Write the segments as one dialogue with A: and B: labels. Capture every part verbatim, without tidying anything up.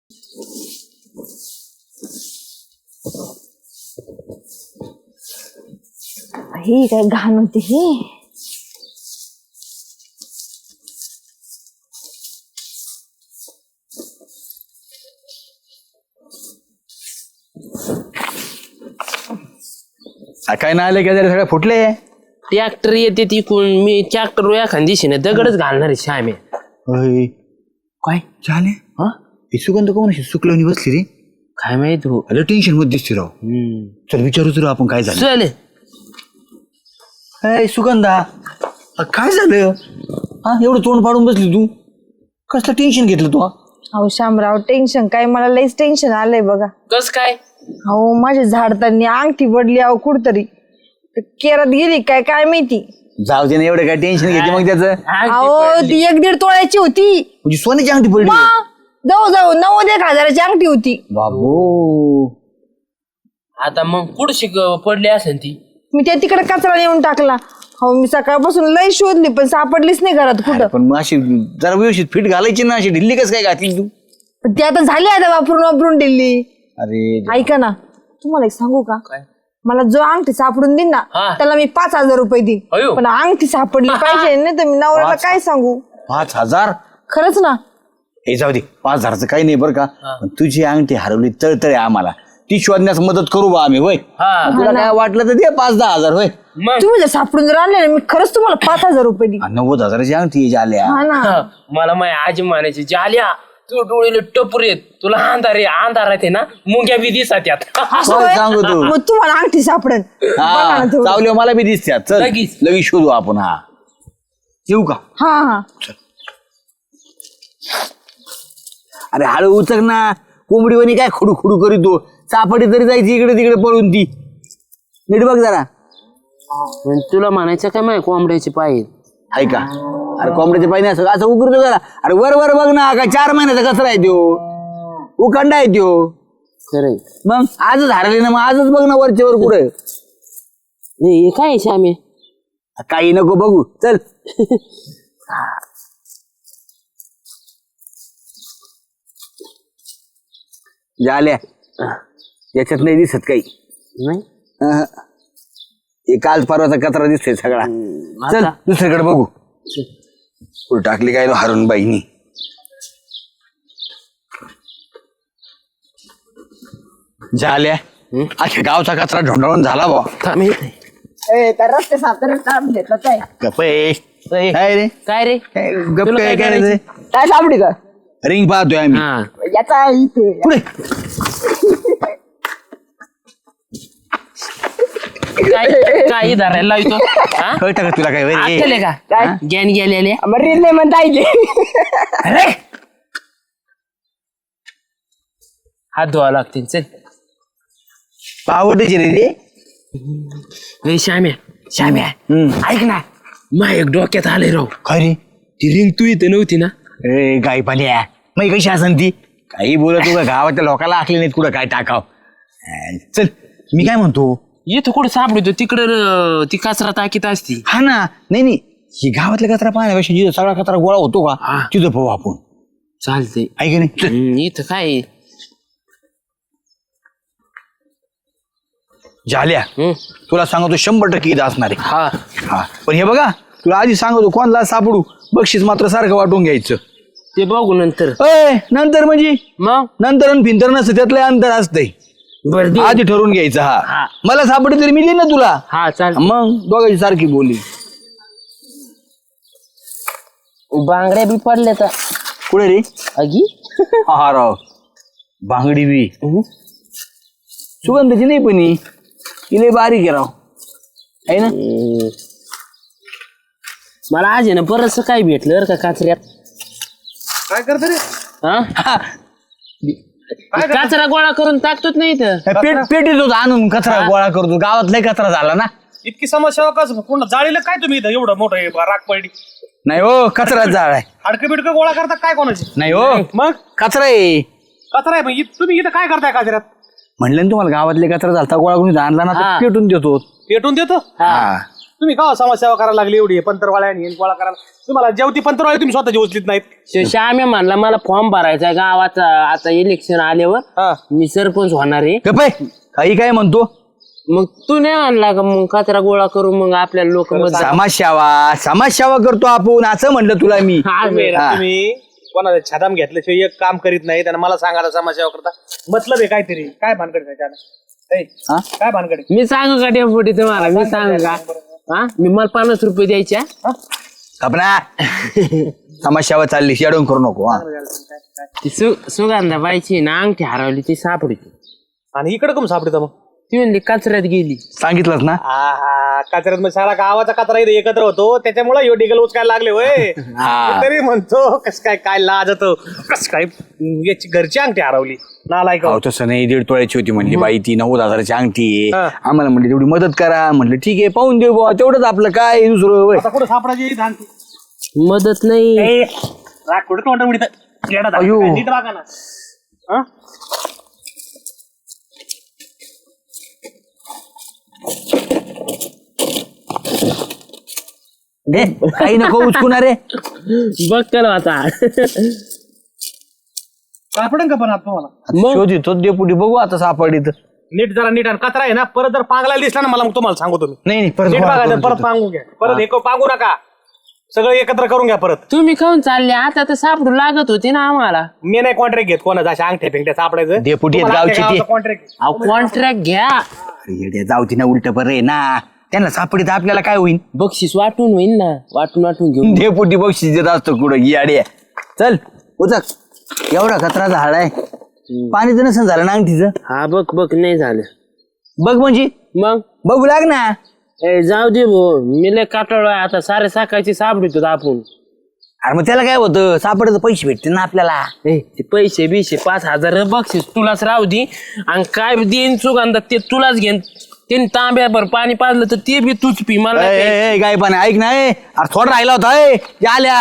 A: ही काय घाण होती ही.
B: काय नाही आले काय सगळे फुटले.
C: ट्रॅक्टर येते तिकून मी ट्रॅक्टर एखाद दिशेने दगडच घालणार आहे श्यामे.
B: काय झाले हा ही सुगंध कोण अशी सुकलवणी बसली रे.
C: काय माहित हो.
B: अरे टेन्शन मध्ये दिसते राव. चल विचारूच राव आपण काय झालं.
C: चल
B: अय सुगंधा अ, काय झालं हा एवढं तोंड पाडून बसली तू. कसलं टेन्शन घेतलं तू.
A: अहो शामराव टेन्शन काय मला लईच टेन्शन आलंय बघा.
C: कस काय.
A: अहो माझ्या झाडताना अंगठी पडली अहो कुठतरी केरात गेली काय काय माहिती.
B: जाऊ दे ना एवढं काय टेन्शन घेते मग त्याचं.
A: अहो ती एक दीड तोळ्याची होती.
B: म्हणजे सोन्याची अंगठी पडली.
A: जाऊ जाऊ नव्वद एक हजाराची अंगठी होती.
B: बाबू
C: आता मग पुढशी पडली असेल ती.
A: मी त्या तिकडे कचरा नेऊन टाकला. हो मी सकाळपासून लई शोधली पण सापडलीच नाही घरात कुठं.
B: पण मग अशी जरा व्यवस्थित फिट घालायची ना अशी ढिल्ली कसं काय घातली तू.
A: पण ती आता झाली आता वापरून वापरून दिली.
B: अरे
A: ऐका ना तुम्हाला एक सांगू का. मला जो अंगठी सापडून देईन ना
C: हा.
A: त्याला मी पाच हजार रुपये देईन.
C: अयो.
A: पण अंगठी सापडली पाहिजे नाही तर मी नवऱ्याला
B: पाच-
A: काय सांगू.
B: पाच हजार
A: खरंच ना.
B: हे जाऊ दे पाच हजारचं काही नाही बरं का. पण तुझी अंगठी हरवली तळतळे आम्हाला ती शोधण्यास मदत करू बा आम्ही होय.
C: हा.
B: तुला काय वाटलं तर दे पाच दहा हजार होय.
C: मग
A: तुम्ही जर सापडून जर आणले ना मी खरंच तुम्हाला पाच हजार रुपये देईन.
B: आ, नव्वद हजाराची अंगठी आल्या.
A: हा ना.
C: हा, मला माय आजी म्हणायची जाल्या तू डोळेले टपूर येत तुला अंधार आहे अंधार आहे ना मुंग्या बी दिसत यात.
A: असं
B: काय
A: होय?
B: सांगू तू?
A: मग तुम्हाला अंगठी सापडेल. बघा ना थोडं.
B: चावल्या मला बी दिसत्या. चल
C: लगेच.
B: लगेच शोधू आपण. हा येऊ का.
A: हा हा
B: अरे हळू उचक ना. कोंबडीवानी काय खुडू खुडू करीतो. चापडी तरी जायची इकडे तिकडे पळून ती. नीट बघ जरा.
C: पण तुला म्हणायचं काय माय कोंबड्याचे पाय
B: ऐका अरे कोंबड्याचे पाहिजे असं असं उकरतो जरा. अरे वर वर बघ ना काय चार महिन्याचा कचरा आहे त्यो. उखंडा आहे त्यो.
C: खरंय.
B: मग आजच हरले ना मग आजच बघ ना वरच्या वर कुठे.
C: हे काय आहे श्यामे.
B: काही नको बघू चल. झाल्या याच्यात नाही दिसत काही.
C: नाही
B: अहं. हे काल परवाचा कचरा दिसतोय सगळा. चल
C: आता?
B: दुसरीकडे बघू. कुठं टाकली काय हरून बाईनी. झाल्या अख्या गावचा कचरा ढोंढाळून झाला बा.
C: थांब.
A: रस्ते सापडे
B: गप्प आहे. काय रे
C: काय रे
B: काय गप्प
C: तुला
B: काय
C: काय
B: करायचंय.
A: काय सापडी का
B: रिंग पाहतोय आम्ही.
C: हा
A: याचा इथे
B: पुढे
C: काय काय धरायला लावतो. हा
B: कळतं का तुला काय वय रे?
C: आठवले का काय ज्ञान गेलेले
A: रील नाही म्हणता येईल.
B: अरे
C: हात धुवा लागतील. चल
B: आवडते रे रे.
C: ए, श्याम्या श्याम्या
B: हम्म.
C: ऐक ना मा एक डोक्यात आले राव.
B: काय रे
C: ती रिंग तू इथे नव्हती ना.
B: ए गाई पाल्या मग कशी असन ती. काही बोलत तू गावातल्या लोकांना आखले नाहीत कुठं काय टाकाव. चल मी काय म्हणतो.
C: इथं कुठं सापडतो तिकडं ती कचरा टाकीत असती.
B: हा ना नाही नाही ही गावातल्या कचरा पाहण्यापेक्षा जिथं सगळा कचरा गोळा होतो का
C: हा.
B: तिथं पाहू आपण.
C: चालते.
B: ऐक नाही चल.
C: इथं काय
B: झाल्या
C: हम्म.
B: तुला सांगतो शंभर टक्के इथं असणार आहे.
C: हा
B: हा पण हे बघा तुला आधी सांगतो कोणाला सापडू बक्षीस मात्र सारखं वाटून घ्यायचं.
C: ते बघू नंतर.
B: अय नंतर म्हणजे
C: मग
B: नंतर आणि भिंतर नसतं त्यातलं अंतर असतंय.
C: बर दे.
B: आधी ठरवून घ्यायचं. हा
C: हा.
B: मला सापडे तरी मी देईन ना तुला.
C: हा चाल.
B: मग दोघांची सारखी बोली.
C: बांगड्या बी पडल्या तर
B: कुठे रे.
C: अगी
B: हा राव बांगडी बी सुगंधाची नाही पण ही. ही लय बारीक आहे राव आहे ना.
C: मला आज आहे ना बरंच काय भेटलं बरं का कचऱ्यात.
D: काय करतो रे.
C: हा
B: हा,
C: कचरा गोळा करून टाकतोच नाही इथं.
B: पेट पेटीत होता आणून कचरा गोळा करतो. गावात लय कचरा झाला ना.
D: इतकी समस्या कसं पुन्हा जाळीला काय तुम्ही इथं एवढं मोठं हे राख पडली.
B: नाही हो कचरा जाळ आहे.
D: हाडकं बिडकं गोळा करता काय कोणाची.
B: नाही हो
D: मग
B: कचरा आहे.
D: कचरा आहे मग इ- तुम्ही इथं काय करताय कचऱ्यात.
B: म्हणलं ना तुम्हाला गावातले कचरा झालता गोळा करून आणला ना
C: हा.
B: तर पेटून देतो.
D: पेटून देतो.
B: हा
D: तुम्ही का समाजसेवा करायला लागली एवढी पंतरवाळ्या आणि गोळा करायला? तुम्हाला जेवती पंतरवाळी तुम्ही स्वतःची उचलीत नाहीत.
C: श्याम्या म्हणला मला फॉर्म भरायचा गावाचा आता इलेक्शन आल्यावर
D: हा.
C: मी सरपंच होणार आहे.
B: गप्प आहे. काही काय म्हणतो
C: मग तू नाही आणला का मग कचरा गोळा करू मग आपल्याला लोक
B: समाजसेवा समाजसेवा करतो आपण असं म्हणलं तुला मी
D: तुम्ही
B: हा.
D: तुम्ही कोणाचा छादाम घेतल्याशिवाय एक काम करीत नाही आणि मला सांगायला समाजसेवा करता मतलब आहे काहीतरी. काय भानगड आहे त्याच्यानं? ए,
B: हा?
D: काय भानगड आहे?
C: मी सांगू का डेपुटी तुम्हाला मी सांगू का हा मी मला पन्नास रुपये द्यायच्या
B: कपना समाजसेवा चालली शेडून करू नको हा.
C: ती सु सुगंधा बाईची ना अंगठी हरवली ती सापडली
D: आणि इकडे कम सापडता मग?
C: ती म्हणली कचऱ्यात गेली.
B: सांगितलंच ना
D: आहा कचऱ्यात मग सारा गावाचा कचरा इथे एकत्र होतो त्याच्यामुळे यो डिगल उचकायला लागले होय.
B: हा.
D: तरी म्हणतो कस काय काय लाज होतो कस काय याची घरची अंगठी हरवली नालायक.
B: अहो तसं नाही दीड तोळ्याची होती म्हणली बाई ती नव्वद हजाराची अंगठी आहे
D: हा.
B: आम्हाला म्हणली तेवढी मदत करा म्हणलं ठीक आहे पाहून देऊ बुवा तेवढंच आपलं काय दुसरं होय.
D: आता कुठं सापडायची अंगठी?
C: मदत नाही
D: ए, राग कुठं तोंड उडीत येडा झाला.
B: अयो.
D: काय नीट वागा ना. हा?
B: दे काही नको उचकुना रे
C: बघ केलं आता
D: सापडेल का पण आता तुम्हाला?
C: मग?
B: शोधितो डेपुटी बघू आता सापडी तर
D: नीट जरा नीट आणि कचरा आहे ना परत जर पांगला दिसला ना मला मग तुम्हाला सांगू तुम्ही
B: नाही नाही परत
D: नीट
B: गोळा
D: बघायचं
B: करून
D: परत
B: ठेवतो.
D: पांगू घ्या परत एक पांगू नका सगळं एकत्र करून घ्या परत.
C: तुम्ही खाऊन चालले आता तर सापडू लागत होती ना आम्हाला.
D: मी नाही कॉन्ट्रॅक्ट घेत कोणाचा अशा अंगठ्या पिंगट्या सापडायचं
B: डेपुटी आहेत गावचे ते.
D: कॉन्ट्रॅक्ट
C: अहो कॉन्ट्रॅक्ट घ्या
B: अरे येड्या, जाऊ ती ना उलट बरं आहे ना त्यांना सापडी तर आपल्याला काय होईल
C: बक्षीस वाटून होईल ना वाटून वाटून घेऊन.
B: डेपुटी बक्षीस देत असतो कुठं याडे चल उचक एवढा कचराचा हाड आहे पाणी तर नसेल झालं ना अंगठीचं
C: हा बघ बघ नाही झालं.
B: बघ म्हणजे
C: मग
B: बघू लाग ना
C: ए जाऊ दे भाऊ मी लय काटाळलोय आता सारे साकायची सापडतो आपण.
B: अरे मग त्याला काय होतं सापडायचं पैसे भेटते ना आपल्याला
C: ए ते पैसे बिशे पाच हजार बक्षीस तुलाच राहू दे आणि काय देईन सुगंधा ते तुलाच घेन त्यांनी तांब्याभर पाणी पाजलं तर ते बी तूच पी मला
B: ए,
C: नाही प्यायचं.
B: ए, ए, काय पण ऐक ना ए. अरे थोडा राहिला होता ए आल्या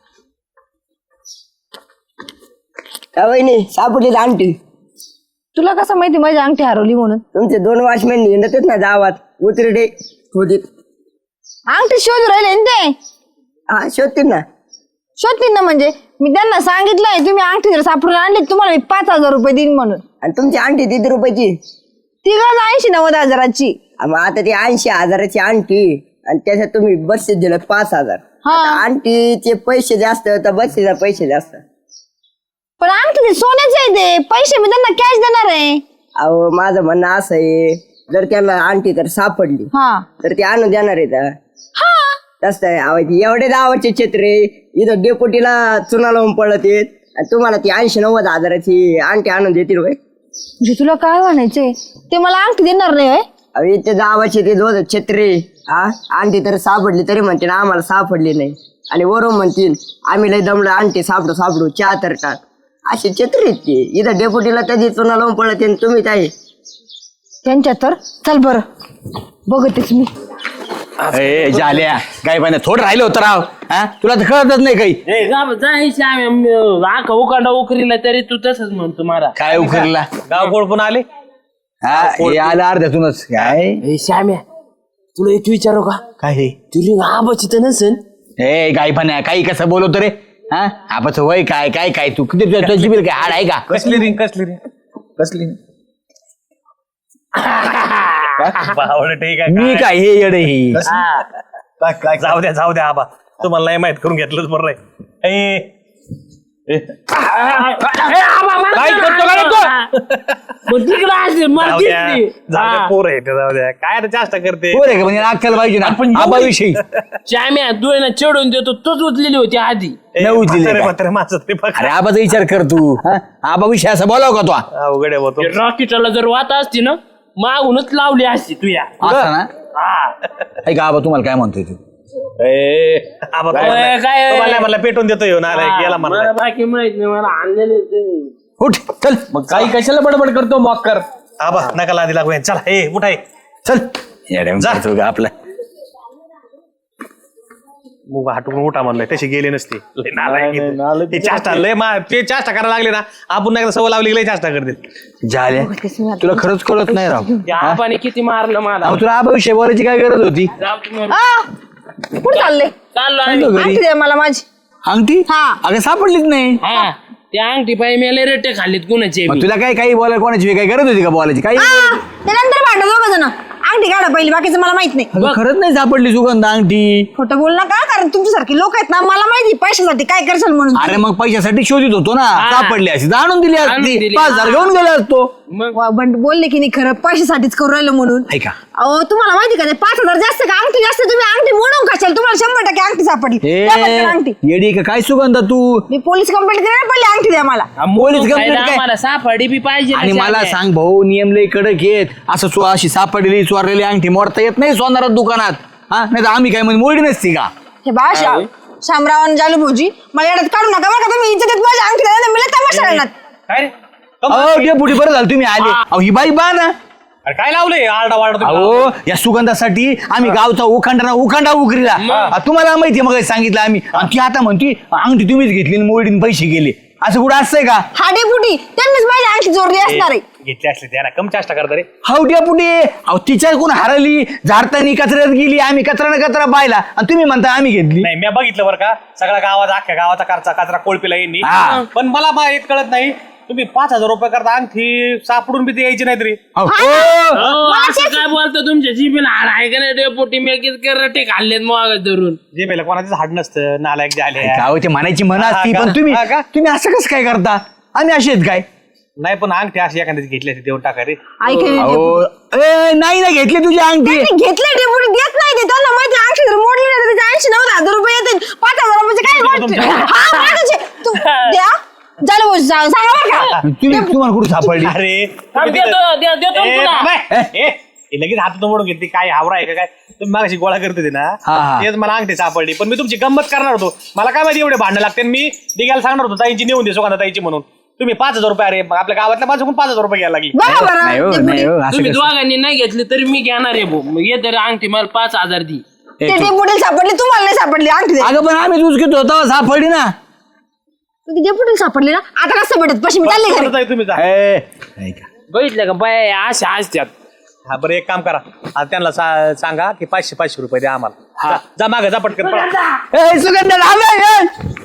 E: वहिनी सापडली अंगठी.
A: तुला कसं माहिती माझी अंगठी हरवली म्हणून?
E: तुमचे दोन वॉचमॅन हिंडतात ना गावात उतरडे खोदीत.
A: अंगठी शोध राहिले ना ते.
E: हा शोधतील ना.
A: शोधतील ना म्हणजे मी त्यांना सांगितलंय तुम्ही अंगठी जर सापडून आणली तुम्हाला मी पाच हजार रुपये देईन म्हणून.
E: आणि तुमची अंगठी किती रुपयाची?
A: ती गज ऐंशी नव्वद हजाराची.
E: आ, मग आता ती ऐंशी हजाराची अंगठी आणि त्याच्यात तुम्ही बक्षीस दिलं पाच हजार.
A: हा.
E: आता अंगठीचे पैसे जास्त तर बक्षीसचे पैसे जास्त.
A: पण अंगठी ते सोन्याचे आहे ते पैसे मी त्यांना कॅश देणार आहे.
E: अहो माझं म्हणणं असं आहे जर त्यांना अंगठी तर सापडली
A: हा
E: तर ते आणून देणार आहे का?
A: हा
E: तसं आहे अहो, ती एवढे दावाचे चित्रे इथं डेपोटीला चुना लावून पडत येत आणि तुम्हाला ती ऐंशी नव्वद हजाराची अंगठी आणून देतील होय.
A: म्हणजे तुला काय म्हणायचंय ते मला अंगठी देणार नाही होय?
E: अहो इथे दावाचे ते दोन छत्रे हा अंगठी तर सापडली तरी म्हणते ना आम्हाला सापडली नाही आणि वरून म्हणतील आम्ही लय दमलं अंगठी सापडू सापडू चहा तर टाक असे छत्री आहेत ते. इथं डेपुटीला त्याची चुना लावून पडत आणि तुम्ही काय
A: त्यांच्या तर चल बरं बघतेच मी.
B: ए झाल्या काय पण थोडं राहिलं होतं राव हा तुला तर कळतच नाही काही
C: ए, जा- जायची आम्ही आखा उकांडा उकरीला तरी तू तसंच म्हणतो मला.
B: काय उखरला
D: गाव कोण पण आले
B: हा हे आलं अर्ध्यातूनच काय
C: ए श्याम्या तुला एक विचारू का
B: काय हे
C: तुला आबाची तर नसेल.
B: ए काय पण आहे काही कसं बोलवतो रे हा आपण वय काय काय काय तू किती तुझ्या- तुझी बिल काय हाड आहे का
D: कसली रिंग कसली रिंग
B: कसली
D: बावळं ठीक आहे
B: मी काय हे येडे ही
D: काय जाऊ द्या जाऊ द्या आबा तुम्हाला नाही माहित करून घेतलंच बरं आहे. ए, ए, काय करतो का रे तू?
C: मग तिकडं असेल, मला
D: जाऊ द्या
C: दिसली.
D: जाऊ द्या
C: हा.
D: पोर आहे ते, जाऊ द्या काय आता जास्त करते
B: पोर आहे का म्हणजे अक्कल पाहिजे ना आबाविषयी
C: श्याम्या तू आहे ना चिडून देतो तूच उचलेली होती आधी.
D: ए,
B: नऊ दिले
D: म्हातारे
B: का?
D: म्हातारे माझं ते बघ.
B: अरे आबाचा विचार कर तू हा? आबाविषयी असं बोलाव का तू
D: अवघड आहे होतो
C: रॉकेटला जर वात असती ना मागूनच लावली असती तू या.
B: असं ना ऐका आबा तुम्हाला काय म्हणतोय तू
D: आबा
C: काय-
D: तुम्हाला
C: काय-
D: तुम्हाला नाही म्हणला पेटून देतो येऊन आला गेला
C: मला
D: म्हणला
C: बाकी माहित नाही मला आणलेले तुम्ही.
B: उठ चल मग
C: काही कशाला बडबड करतो मग कर.
D: आबा नका लादी लागू यांना. चला ए उठाय
B: चल येड्या
D: जा.
B: करतो का आपलं
D: मग हाटून उठा म्हणलंय तसे गेले नसते लय नालायक आहेत. ते चाष्टा लय मा ते चाष्टा करायला लागले ना आपण नाही सवय लावली की लय चाष्टा करते
B: झाल्या तुला खरंच कळत नाही राव
C: त्या आबाने किती मारलं मला
B: अहो, तुला आबाविषयी बोलायची काय गरज होती
C: जाऊ तुम्ही.
A: आ, कुठं चालले
C: चाललो आम्ही.
B: चाललो घरी
A: अंगठी द्या मला माझी.
B: अंगठी
A: हा.
B: अगं सापडलीच नाही
C: हा त्या अंगठी पाय मेले रेटे खाल्लीत कुणाचे
B: मग तुला काय काही बोलायला कोणाची काही गरज होती का बोलायची काही
A: आ, ते नंतर भांडा दोघं जण. अंगठी काढा पहिली, बाकीचं मला माहित नाही.
B: अगं, खरंच नाही सापडली सुगंधा अंगठी
A: खोटं बोल नका, कारण तुमच्यासारखी लोक आहेत ना, मला माहिती पैशासाठी काय करशाल म्हणून.
B: अरे मग पैशासाठी शोधित होतो ना सापडली अशी आणून दिली
C: आणून
B: असती
C: दिली.
B: पाच हजार घेऊन गेला असतो
C: मग
A: वा, पण बोलले की नाही खरं पैशासाठीच करू राहिलो म्हणून.
B: ऐका
A: अहो तुम्हाला माहिती का ते पाच हजार जास्त का अंगठी जास्त, तुम्ही अंगठी मोडून खाशाल, तुम्हाला शंभर टक्के अंगठी सापडली. द्या पटकन अंगठी.
B: ए, येडी का काय सुगंधा तू
A: मी पोलीस कंप्लेंट करेन, पडली अंगठी द्या मला.
B: पोलीस
C: मोडून
B: कंप्लेंट
C: खायला
B: काय?
C: आम्हाला सापडी बी पाहिजे ना
B: आणि मला
C: चांगल्या.
B: सांग भाऊ नियम लय कडक येत असं चो अशी सापडलेली चोरलेली अंगठी मोडता येत नाही सोनारात दुकानात हा नाही तर आम्ही काय म्हणजे मोडी नसती का
A: हे बा शा- शामराव आणि जालू भाऊजी, मला येड्यात काढू नका बरं का, तुम्ही इज्जत देत माझी अंगठी द्या, नाही तर मी लय तमाशा करणार.
D: काय रे
B: अहो डेपुटी बरं झालं तुम्ही आले अहो ही बाई बा ना
D: अरे काय लावलंय आरडा वारडा
B: अहो या सुगंधासाठी आम्ही गावचा उखांडा उखांडा उकरीला आ, तुम्हाला माहिती मग सांगितलं आम्ही आणि ती आता म्हणती अंगठी तुम्हीच घेतली आणि मोडीने पैसे गेले असं कुठं असतंय का
A: हा डेपुटी, त्यांनीच माझी अंगठी चोरली असणार आहे.
D: घेतले असले त्याला कम चाष्टा करता रे
B: हाऊ डेपुटी अहो तिच्या कोण हरली झाडतानी कचऱ्यात गेली आम्ही कचरा न कचरा पाहिला आणि तुम्ही म्हणता आम्ही घेतली
D: नाही मी बघितलं बरं का सगळ्या गावात अख्ख्या गावाचा कचरा कचरा कोळपीला येईन
B: हा.
D: पण मला मा एक कळत नाही तुम्ही पाच हजार रुपये करता अंगठी सापडून बी ते यायची नाही तरी
B: अहो,
C: अहो, असं काय बोलतो तुमच्या जीबीला हाड आहे का नाही डेपोटी मेकीत करटे खाल्लेत मग धरून
D: जे पहिला कोणाचं झाड नसतं नालायक जे आले
B: काय होते म्हणायची म्हणा
D: हा
B: असती
D: का?
B: पण तुम्ही
D: हा का?
B: तुम्ही असं कसं काय करता आम्ही असे आहेत काय
D: नाही पण अंगठी अशी एखाद्याची घेतली असते देऊन टाका रे
A: ऐका
B: अहो ए, नाही ना घेतली तुझी अंगठी
A: घेतलं डेपुटी देत नाही ते, त्यांना माहिती अंगठी जर मोडली नाही तर त्याचे ऐंशी नव्वद हजार रुपये येतील. पाच हजार रुपयाचे काय वाटते? हा, मागायचे. तू द्या झालं भाऊ, सांग- सांगा बरं का.
B: तुम्ही तुम्हाला कुठं सापडली
D: अरे
C: थांब,
D: तुम्ही तिथं-
C: देतो दे- देतो
D: ए,
C: तुला.
D: थांब, ए, ए, हे लगेच हातून मोडून घेतली काय हावरा आहे का काय तुम्ही मागाशी गोळा करत होते ना
B: हा, हा.
D: तेच मला अंगठी सापडली पण मी तुमची गंमत करणार होतो मला काय माहिती एवढे भांडण लागते आणि मी दिघायला सांगणार होतो ताईंची नेऊन दे सुगंधा ताईची म्हणून तुम्ही पाच हजार रुपये अरे मग आपल्या गावातल्या माझ्याकडून पाच हजार रुपये घ्यायला लागली
A: बघा बरं
B: नाही हो,
A: डेपुटी.
B: नाही हो, असं
C: तुम्ही
B: कसं?
C: दोघांनी नाही घेतली तरी मी घेणार आहे भाऊ मग ये तरी अंगठी मला पाच हजार दी
B: ए,
A: ते
B: तू-
A: डेपुटीला सापडली, तुम्हाला नाही सापडली अंगठी द्या.
B: अगं पण आम्ही दूध घेतो तेव्हा सापडली ना
A: ती डेपुटीला सापडली ना, आता कसं भेटत पैसे, मी चालले घरी.
D: परत आहे तुम्ही जा.
B: ए, ऐका.
C: बघितलं का बाय अशा असत्यात
D: हा बरं एक काम करा आता त्यांना सा- सांगा की पाचशे पाचशे रुपये द्या आम्हाला जा- जा मागे जा पटकन पळा.
B: ए, सुगंधा थांब, ए, ए.